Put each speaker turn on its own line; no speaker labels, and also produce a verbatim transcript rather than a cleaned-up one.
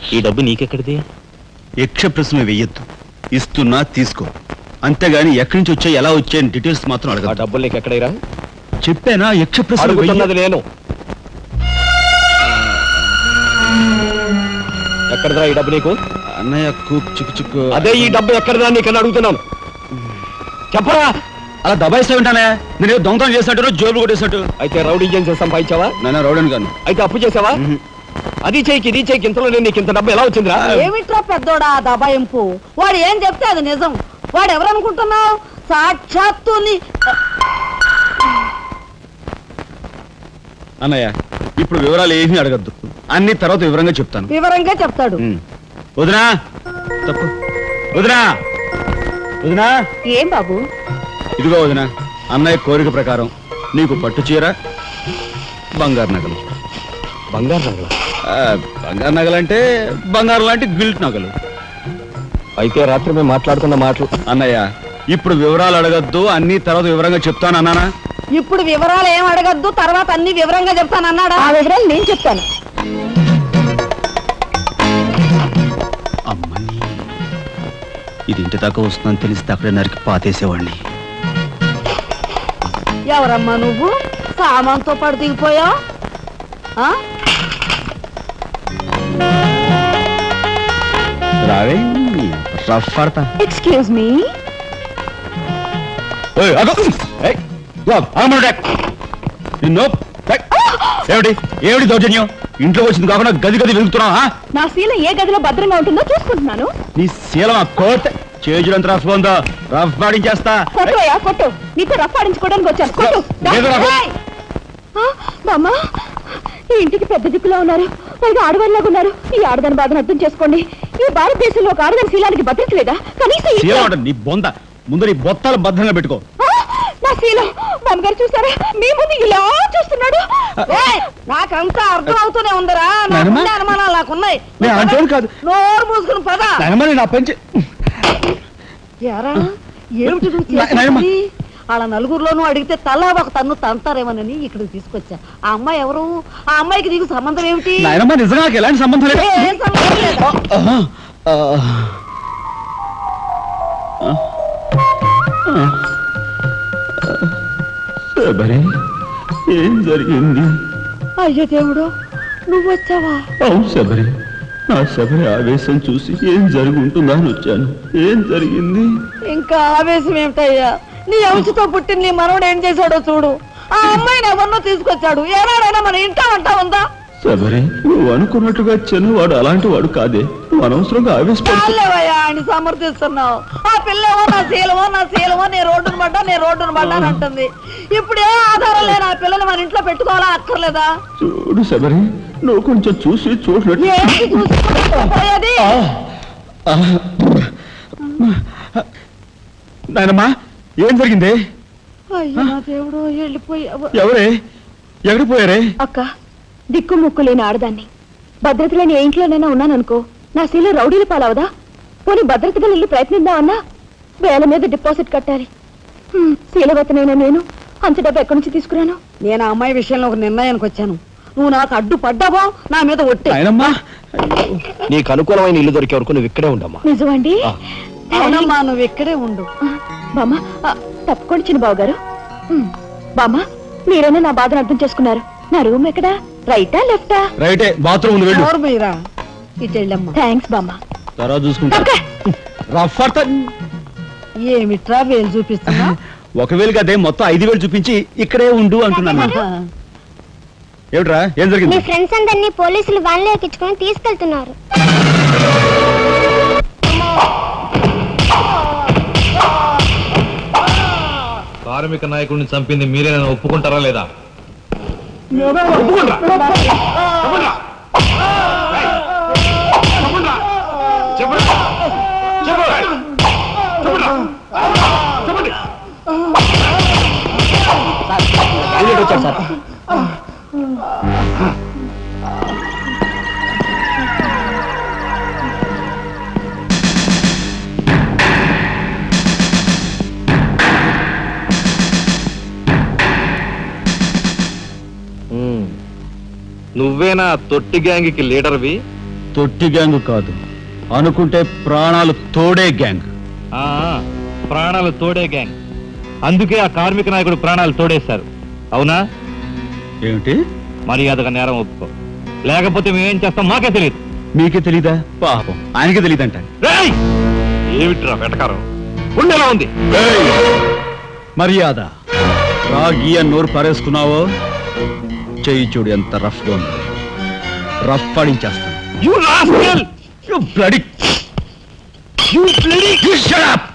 ఈ డబ్బు నీకెక్కడిది?
యక్ష ప్రశ్న వెయ్యొద్దు, ఇస్తున్నా తీసుకో, అంతేగాని ఎక్కడి నుంచి వచ్చాయి ఎలా వచ్చాయని డీటెయిల్స్ మాత్రం అడగ.
ఆ డబ్బులు నీకు ఎక్కడైరా?
చెప్పానా యక్ష ప్రశ్న
అడుగుతున్నది నేను. ఎక్కడదా ఈ డబ్బు నీకు?
అన్నయ్య చిక్కు చిక్కు.
అదే ఈ డబ్బు ఎక్కడదా నీకన్నా అడుగుతున్నాను, చెప్పరా.
అలా దబాయిస్తా ఉంటానే, నేను దొంగతనం చేసినట్టు జోబులు కొట్టేసినట్టు.
అయితే రౌడీ చేసి సంపాదించావా?
నేను రౌడీని కాను.
అయితే అప్పు చేసావా? అది చేయికి ఇది చేయికి ఇంతలో నేను నీకు ఇంత డబ్బు ఎలా వచ్చిందిరా?
ఏమిట్రా పెద్దోడా దబాయింపు? వాడు ఏం చెప్తే అది నిజం. వాడు ఎవరనుకుంటున్నావు? సాక్షాత్తు
అన్నయ్య ఇప్పుడు వివరాలు ఏమీ అడగద్దు, అన్ని తర్వాత వివరంగా చెప్తాను.
వివరంగా చెప్తాడు.
వదినా తప్పు, వదినా వదినా.
ఏం బాబు?
ఇదిగో వదినా, అన్నయ్య కోరిక ప్రకారం నీకు పట్టు చీర, బంగారు నగలు.
బంగారు నగలు?
బంగారు నగలంటే బంగారు లాంటి గిల్ట్ నగలు.
అయితే రాత్రి మేము మాట్లాడుకున్న మాటలు.
అన్నయ్య ఇప్పుడు వివరాలు అడగద్దు, అన్ని తర్వాత వివరంగా చెప్తాను అన్నానా?
ఇప్పుడు వివరాలు ఏం అడగద్దు, తర్వాత అన్ని వివరంగా చెప్తాను అన్నాడా? ఆ వివరాలు నేను చెప్తాను.
అమ్మని ఇది ఇంటి దాకా వస్తుందని తెలిస్తే అక్కడే నరికి పాతేసేవాడిని.
ఎవరమ్మా నువ్వు? సామాన్తో పాటు దిగిపోయా?
రావే రఫ్ పడతా.
Excuse me.
ఏమిటి ఏమిటి దౌర్జన్యం? ఇంట్లో వచ్చింది కాకుండా గది గది వెళ్తున్నావా?
నా శీల ఏ గదిలో భద్రంగా ఉంటుందో చూసుకుంటున్నాను.
నీ శీలం కోట్ చేజులంత రఫ్ ఉందో, రఫ్ పాడించేస్తా.
కొట్టుయా కొట్టు, నీతో రఫ్ పాడించుకోవడానికి వచ్చాను. కొట్టు. బామ్మా, ఈ ఇంటికి పెద్ద దిక్కులో ఉన్నారు, పైగా ఆడవాళ్ళలాగా ఉన్నారు. ఈ ఆడదాని బాధను అర్థం చేసుకోండి. ఈ భారతదేశంలో ఒక ఆడదాని శీలానికి భద్రత లేదా? కనీసం
నీ బొంద ముందు నీ బొత్తాలు భద్రంగా పెట్టుకో.
నా శీలం బామ్మగారు చూసారా, మీ ముందు ఇలా చూస్తున్నాడు. నాకంతా అర్థం అవుతూనే ఉందరా, అనుమానాలు నాకున్నాయి. నోరు మూసుకుని పద.
నా పెంచి
ఏమిటి వాళ్ళ నలుగురిలోనూ అడిగితే తలా ఒక తన్ను తంతారేమోనని ఇక్కడికి తీసుకొచ్చా. ఆ అమ్మాయి ఎవరు? ఆ అమ్మాయికి నీకు సంబంధం ఏమిటి?
నిజంగా ఎలాంటి సంబంధం లేదు. ఏం జరిగింది?
అయ్యో దేవుడు, నువ్వు వచ్చావా?
అవును శబరి, నా శబరి ఆవేశం చూసి ఏం జరిగి ఉంటుందా అని వచ్చాను. ఏం జరిగింది?
ఇంకా ఆవేశం ఏమిటయ్యా? నీ అంశతో పుట్టిన నీ మనవడు ఏం చేశాడో చూడు. ఆ అమ్మాయిని ఎవరినో తీసుకొచ్చాడు. ఏనాడైనా మన ఇంటా అంటా ఉందా?
శబరి, నువ్వు అనుకున్నట్టుగా చిన్నవాడు అలాంటి వాడు కాదే. నువ్వు అనవసరంగా
ఆవేశపడలేవయ్యా అని సమర్థిస్తున్నావు. ఆ పిల్లవో నా శీలమో నా శీలమో నీ రోడ్డును పడ్డా నీ రోడ్డును పడ్డా అని అంటుంది. ఇప్పుడు ఏ ఆధారం లేని ఆ పిల్లని మన ఇంట్లో పెట్టుకోవాలా అక్కర్లేదా?
చూడు శబరి, నువ్వు కొంచెం చూసి చూసినట్టు. నాయనమ్మా, ఏం జరిగింది?
అయ్యో నా దేవుడు, వెళ్ళిపోయావు.
ఎవరే ఎక్కడిపోయారే?
అక్క, దిక్కు ముక్కు లేని ఆడదాన్ని, భద్రత లేని ఏ ఇంట్లోనైనా ఉన్నాననుకో, నా శీల రౌడీలు పాలవదా? పోనీ భద్రతగా వెళ్ళి ప్రయత్నిద్దామన్నా వేల మీద డిపాజిట్ కట్టాలి. శీలవతనైనా నేను అంత డబ్బు ఎక్కడి నుంచి తీసుకురాను? నేను ఆ అమ్మాయి విషయంలో ఒక నిర్ణయానికి వచ్చాను. నువ్వు నాకు అడ్డు పడ్డావో నా మీద ఒట్టే.
నీకు అనుకూలమైన ఇల్లు దొరికే వరకు నువ్వు ఇక్కడే ఉండమ్మా.
నిజమండి? అవునమ్మా, నువ్వు ఇక్కడే ఉండు. బామ్మ తప్పుకోండి చిన్న బాబు గారు. బామ్మ, మీరైనా నా బాధను అర్థం చేసుకున్నారు. నా రూమ్ ఎక్కడా? రైటా లెఫ్టా?
రైటే, బాత్రూమ్ ఉంది, వెళ్ళు.
ఇటు వెళ్ళమ్మా. థ్యాంక్స్ బామ్మ.
తర్వాత చూసుకుంటా.
ఏమిట్రా వేలు చూపిస్తున్నా?
ఒకవేళ కదే మొత్తం ఐదు వేలు చూపించి ఇక్కడే ఉండు అంటున్నాను. ఏమిట్రా, ఏం జరిగింది?
మీ ఫ్రెండ్స్ అందరినీ పోలీసులు వ్యాన్లో ఎక్కించుకొని తీసుకెళ్తున్నారు.
కార్మిక నాయకుడిని చంపింది మీరే, నన్ను ఒప్పుకుంటారా లేదా?
నువ్వేనా తొట్టి గ్యాంగ్కి లీడర్వి?
తొట్టి గ్యాంగ్ కాదు, అనుకుంటే ప్రాణాలు తోడే గ్యాంగ్.
ఆ, ప్రాణాలు తోడే గ్యాంగ్. అందుకే ఆ కార్మిక నాయకుడు ప్రాణాలు తోడేశారు. అవునా?
ఏమిటి?
మర్యాదగా నేరం ఒప్పుకో, లేకపోతే మేమేం చేస్తాం మాకే తెలియదు.
మీకే తెలీదా? పాపం ఆయనకే తెలీదంట.
రేయ్! ఏమిట్రా వెటకారం? ఉండేలా ఉంది.
మర్యాద రాగి అని నోరు పారేసుకున్నావో చెయ్యి చూడు ఎంత రఫ్ గా ఉంది. రఫ్ పడించేస్తాను.
You rascal!
You bloody... You bloody... You shut up!